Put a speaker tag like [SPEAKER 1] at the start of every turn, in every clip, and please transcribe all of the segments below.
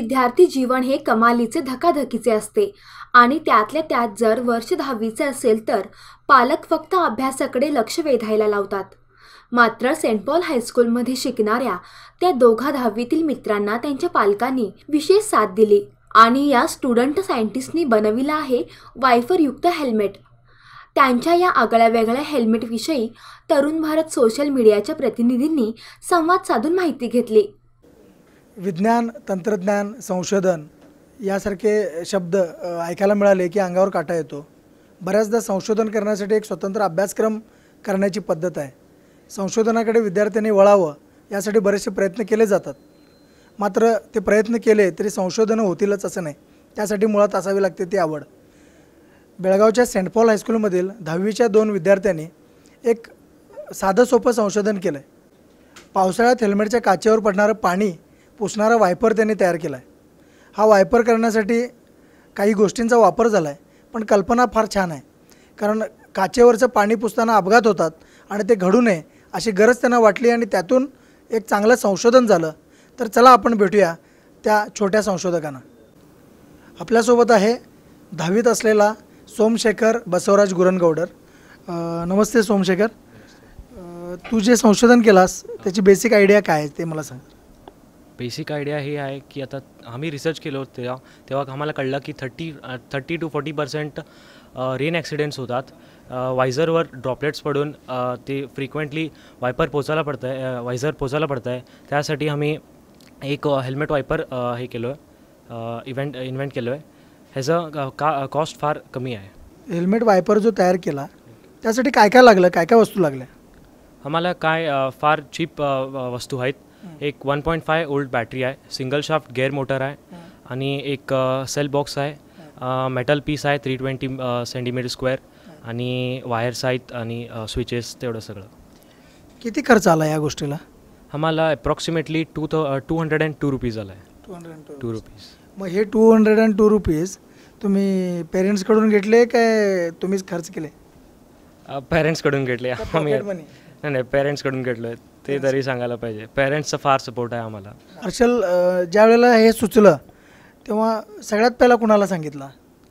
[SPEAKER 1] विद्यार्थी जीवन हे कमालीचे धकाधकीचे असते आणि त्यातल्या त्यात जर वर्ष 10वीचे असेल तर पालक फक्त अभ्यासाकडे लक्ष वेधायला लावतात। मात्र सेंट पॉल हायस्कूलमध्ये शिकणाऱ्या त्या दोघा 10वीतील मित्रांना त्यांच्या पालकांनी विशेष साथ दिली आणि या स्टुडंट सायंटिस्टनी बनविला आहे वायफरयुक्त हेल्मेट। त्यांच्या या आगळ्या वेगळ्या हेल्मेटविषयी तरुण भारत सोशल मीडियाच्या प्रतिनिधींनी संवाद साधून माहिती घेतली।
[SPEAKER 2] विज्ञान, तंत्रज्ञान, संशोधन यासारखे शब्द ऐकायला मिळाले की अंगावर काटा येतो। बऱ्याचदा संशोधन करण्यासाठी एक स्वतंत्र अभ्यासक्रम करण्याची पद्धत आहे। संशोधनाकडे विद्यार्थ्यांनी वळावं यासाठी बरेचसे प्रयत्न केले जातात। मात्र ते प्रयत्न केले तरी संशोधन होतीलच असं नाही, त्यासाठी मुळात असावी लागते ती आवड। बेळगावच्या सेंट पॉल हायस्कूलमधील 10वीच्या 2 विद्यार्थ्यांनी एक साधं सोपं संशोधन केलं आहे। पावसाळ्यात हेल्मेटच्या काचेवर पडणारं पाणी पुसणारा वायपर त्यांनी तयार केला आहे। हा वायपर करण्यासाठी काही गोष्टींचा वापर झाला आहे, पण कल्पना फार छान आहे। कारण काचेवरचं पाणी पुसताना अपघात होतात आणि ते घडू नये अशी गरज त्यांना वाटली आणि त्यातून एक चांगलं संशोधन झालं। तर चला आपण भेटूया त्या छोट्या संशोधकांना। आपल्यासोबत आहे 10वीत असलेला सोमशेखर बसवराज गुरनगौडर। नमस्ते सोमशेखर, तू जे संशोधन केलास त्याची बेसिक आयडिया काय आहे ते मला सांग।
[SPEAKER 3] बेसिक आयडिया हे आहे की आता आम्ही रिसर्च केलं होतं तेव्हा आम्हाला कळलं की 30 to 40% रेन ॲक्सिडेंट्स होतात। वायझरवर ड्रॉपलेट्स पडून ते फ्रिक्वेंटली वायझर पोचायला पडतं आहे। त्यासाठी आम्ही एक हेल्मेट वायपर हे केलो आहे, इन्व्हेंट केलो आहे। ह्याचं कॉस्ट फार कमी आहे।
[SPEAKER 2] हेल्मेट वायपर जो तयार केला त्यासाठी काय काय लागलं, काय काय वस्तू लागल्या?
[SPEAKER 3] आम्हाला फार चीप वस्तू आहेत। एक 1.5 वोल्ट बॅटरी आहे, सिंगल शाफ्ट गेअर मोटर आहे आणि एक सेल बॉक्स आहे, मेटल पीस आहे 320 सेंटीमीटर स्क्वेअर आणि वायर्स आहेत आणि स्विचेस, तेवढं सगळं।
[SPEAKER 2] किती खर्च आला या गोष्टीला?
[SPEAKER 3] आम्हाला अप्रॉक्सिमेटली 202 रुपीज आला आहे। 2 रुपीज।
[SPEAKER 2] मग हे 202 रुपीज तुम्ही पेरेंट्सकडून घेतले काय तुम्हीच खर्च केले?
[SPEAKER 3] पेरेंट्सकडून घेतले आम्ही। नाही, पेरेंट्सकडून घेतलो आहे ते तरी सांगायला पाहिजे। पेरेंट्सचा फार सपोर्ट आहे आम्हाला।
[SPEAKER 2] हर्षल, ज्या वेळेला हे सुचलं तेव्हा सगळ्यात पहिला कुणाला सांगितलं?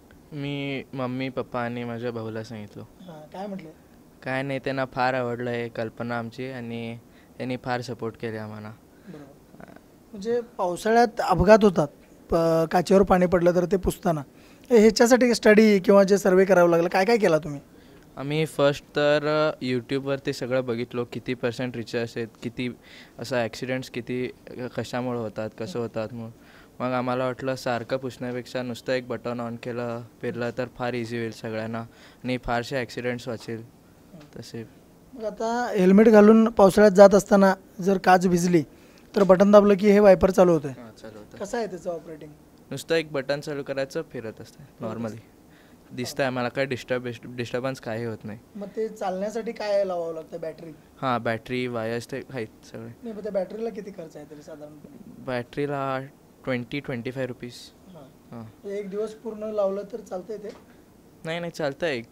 [SPEAKER 4] मी मम्मी, पप्पा आणि माझ्या भाऊला सांगितलं।
[SPEAKER 2] काय म्हटले?
[SPEAKER 4] काय नाही, त्यांना फार आवडलं आहे कल्पना आमची आणि त्यांनी फार सपोर्ट केले आम्हाला।
[SPEAKER 2] म्हणजे पावसाळ्यात अपघात होतात, काचेवर पाणी पडलं तर ते पुसताना, ह्याच्यासाठी स्टडी किंवा जे सर्वे करावं लागलं, काय काय केला तुम्ही?
[SPEAKER 4] आम्ही फर्स्ट तर यूट्यूबवर ते सगळं बघितलो, किती % रिसर्च आहेत, किती असं ॲक्सिडेंट्स किती कशामुळे होतात, कसं होतात। मग आम्हाला वाटलं सारखं पुसण्यापेक्षा नुसतं एक बटन ऑन फिरलं तर फार इझी होईल सगळ्यांना आणि फारसे ॲक्सिडेंट्स वाचेल तसे।
[SPEAKER 2] मग आता हेल्मेट घालून पावसाळ्यात जात असताना जर काच भिजली तर बटन दाबलं की हे वायपर चालू होतं?
[SPEAKER 4] चालू होतं।
[SPEAKER 2] कसं आहे त्याचं ऑपरेटिंग?
[SPEAKER 4] नुसतं एक बटन चालू करायचं, फिरत असतं नॉर्मली, दिसतं आहे मला, काय डिस्टर्बन्स काही होत नाही।
[SPEAKER 2] मग ते चालण्यासाठी काय लावावं लागतं? बॅटरी?
[SPEAKER 4] हां, बॅटरी, वायर्स ते आहेत सगळे।
[SPEAKER 2] नाही, मग त्या बॅटरीला किती खर्च आहे तरी साधारणपणे?
[SPEAKER 4] बॅटरीला 20-25 रुपीज।
[SPEAKER 2] हां, एक दिवस पूर्ण लावलं तर चालतंय ते?
[SPEAKER 4] नाही, चालतं आहे,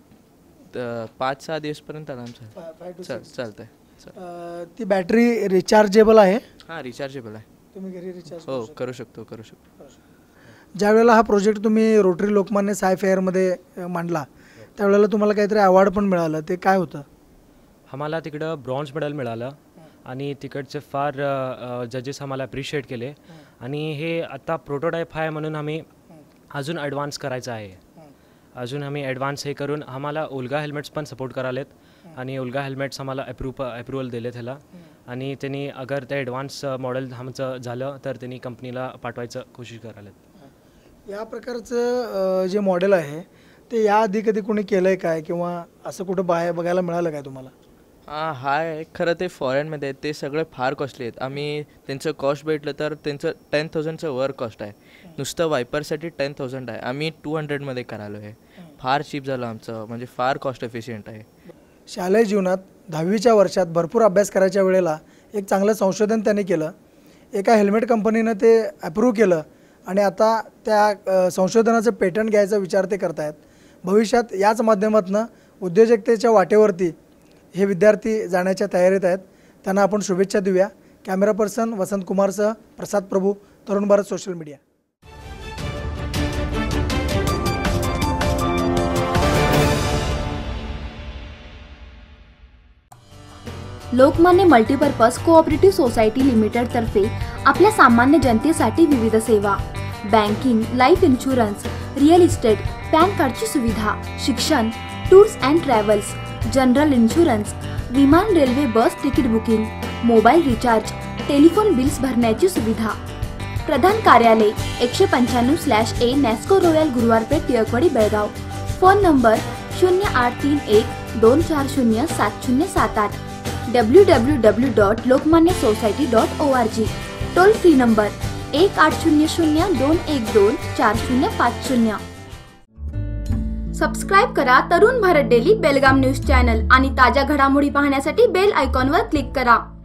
[SPEAKER 4] 5-6 दिवसपर्यंत आराम चालतं आहे।
[SPEAKER 2] ती बॅटरी रिचार्जेबल आहे?
[SPEAKER 4] हां, रिचार्जेबल आहे।
[SPEAKER 2] तुम्ही घरी रिचार्ज?
[SPEAKER 4] हो, करू शकतो।
[SPEAKER 2] ज्या वेळेला हा प्रोजेक्ट तुम्ही रोटरी लोकमान्य साय फेअरमध्ये मांडला त्यावेळेला तुम्हाला काहीतरी अवॉर्ड पण मिळालं, ते काय होतं?
[SPEAKER 3] आम्हाला तिकडं ब्रॉन्झ मेडल मिळालं आणि तिकडचे फार जजेस आम्हाला अप्रिशिएट केले आणि हे आता प्रोटोटाईप आहे म्हणून आम्ही अजून ॲडव्हान्स करायचं आहे। अजून आम्ही ॲडव्हान्स हे करून आम्हाला उल्गा हेल्मेट्स पण सपोर्ट करालेत आणि उल्गा हेल्मेट्स आम्हाला अप्रुव्हल दिले त्याला आणि त्यांनी अगर ते ॲडव्हान्स मॉडेल आमचं झालं तर त्यांनी कंपनीला पाठवायचं कोशिश करालेत।
[SPEAKER 2] या प्रकारचं जे मॉडेल आहे ते याआधी कधी कोणी केलं आहे काय किंवा असं कुठं बघायला मिळालं काय तुम्हाला?
[SPEAKER 4] हाय, खरं ते फॉरेनमध्ये आहेत, ते सगळे फार कॉस्टली आहेत। आम्ही त्यांचं कॉस्ट भेटलं तर त्यांचं 10,000चं वर कॉस्ट आहे, नुसतं वायपरसाठी 10,000 आहे। आम्ही 200मध्ये करालो आहे, फार चीप झालं आमचं, म्हणजे फार कॉस्ट एफिशियंट आहे।
[SPEAKER 2] शालेय जीवनात 10वीच्या वर्षात भरपूर अभ्यास करायच्या वेळेला एक चांगलं संशोधन त्यांनी केलं, एका हेल्मेट कंपनीनं ते अप्रूव्ह केलं आणि आता त्या संशोधनाचं पेटंट घ्यायचा विचार ते करतायत। भविष्यात याच माध्यमातून उद्योजकतेच्या वाटेवरती हे विद्यार्थी जाण्याच्या तयारीत आहेत, त्यांना आपण शुभेच्छा देऊया। कॅमेरा पर्सन वसंत कुमारसह Prasad Prabhu, Tarun Bharat social media.
[SPEAKER 1] Lokmanya multipurpose cooperative society लिमिटेडतर्फे आपल्या सामान्य जनतेसाठी विविध सेवा, banking, life insurance, real estate, PAN कार्डची सुविधा, शिक्षण, tours and travels, general insurance, विमान, railway, bus ticket booking, mobile recharge, telephone bills भरण्याची सुविधा. प्रधान कार्यालय 195/A Nasco Royal Guruwarpeth, Tilakwadi, Belgaum. Phone number 0831-240-7078. www.lokmanyasociety.org. Toll free number 1800-212-4050. Subscribe करा Tarun Bharat daily Belgaum news channel आणि ताज्या घडामोडी पाहण्यासाठी बेल आयकॉनवर क्लिक करा.